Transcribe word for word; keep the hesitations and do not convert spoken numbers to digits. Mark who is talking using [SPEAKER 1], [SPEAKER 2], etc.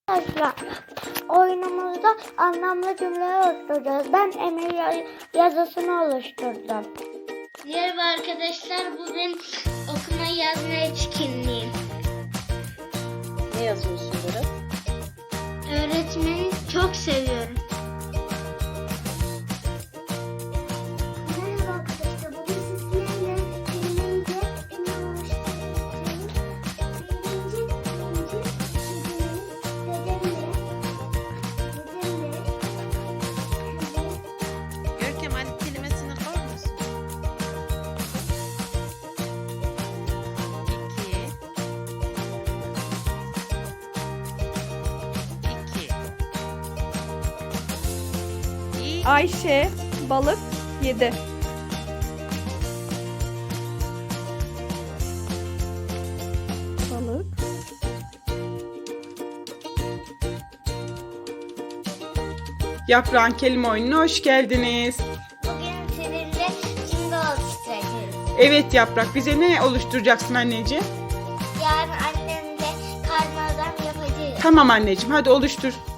[SPEAKER 1] Arkadaşlar, oyunumuzda anlamlı cümleler oluşturacağız. Ben Emir ya- yazısını oluşturdum.
[SPEAKER 2] Merhaba arkadaşlar, bu benim okuma yazma etkinliğim.
[SPEAKER 3] Ne yazıyorsun Berat?
[SPEAKER 2] Öğretmeni çok seviyorum.
[SPEAKER 1] Merhaba arkadaşlar, bugün sizlerle birinci cümle oluşturacağım. Birinci, birinci cümlemiz dedemle, dedemle,
[SPEAKER 3] Görkem hadi kelimesini koy musun? İki. İki. İyi.
[SPEAKER 4] Ayşe balık yedi. Balık.
[SPEAKER 5] Yaprağın kelime oyununa hoş geldiniz.
[SPEAKER 2] Bugün sizinle cümle oluşturacağız.
[SPEAKER 5] Evet Yaprak, bize ne oluşturacaksın anneciğim?
[SPEAKER 2] Yarın annemle karmadan yapacağız.
[SPEAKER 5] Tamam anneciğim, hadi oluştur.